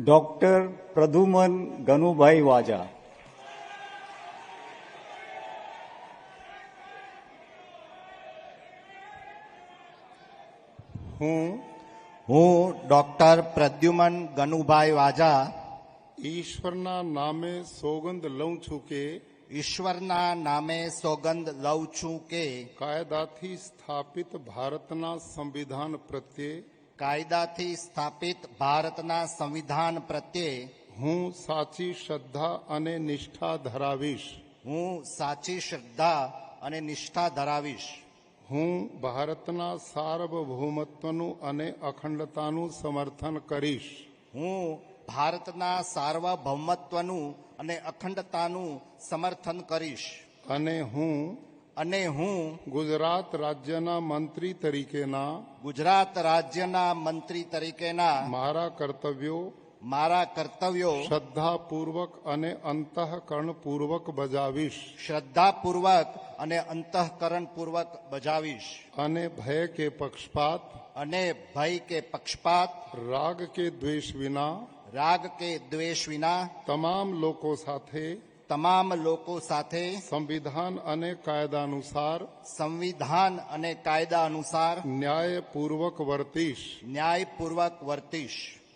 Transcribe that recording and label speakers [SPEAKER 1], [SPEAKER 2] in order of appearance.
[SPEAKER 1] Doctor Pradyuman ગનુભાઈ વાજા.
[SPEAKER 2] હું doctor Pradyuman ગનુભાઈ વાજા
[SPEAKER 3] ઈશ્વરના નામે સોગંદ લઉં છું કે
[SPEAKER 2] ઈશ્વરના નામે સોગંદ લઉં છું કે
[SPEAKER 3] કાયદાથી સ્થાપિત ભારતના સંવિધાન પ્રત્યે
[SPEAKER 2] કાયદાથી સ્થાપિત ભારતના સંવિધાન પ્રત્યે
[SPEAKER 3] હું સાચી શ્રદ્ધા અને નિષ્ઠા ધરાવીશ.
[SPEAKER 2] હું સાચી શ્રદ્ધા અને નિષ્ઠા ધરાવીશ.
[SPEAKER 3] હું ભારતના સાર્વભૌમત્વનું અને અખંડતાનું સમર્થન કરીશ.
[SPEAKER 2] હું ભારતના સાર્વભૌમત્વનું અને અખંડતાનું સમર્થન કરીશ.
[SPEAKER 3] અને હું ગુજરાત રાજ્યના મંત્રી તરીકેના
[SPEAKER 2] ગુજરાત રાજ્યના મંત્રી તરીકેના
[SPEAKER 3] મારા કર્તવ્યો શ્રદ્ધાપૂર્વક અને અંતઃકરણપૂર્વક બજાવીશ.
[SPEAKER 2] શ્રદ્ધાપૂર્વક અને અંતઃકરણપૂર્વક બજાવીશ.
[SPEAKER 3] અને ભય કે પક્ષપાત રાગ કે દ્વેષ વિના તમામ લોકો સાથે સંવિધાન અને કાયદા અનુસાર ન્યાયપૂર્વક વર્તીશ.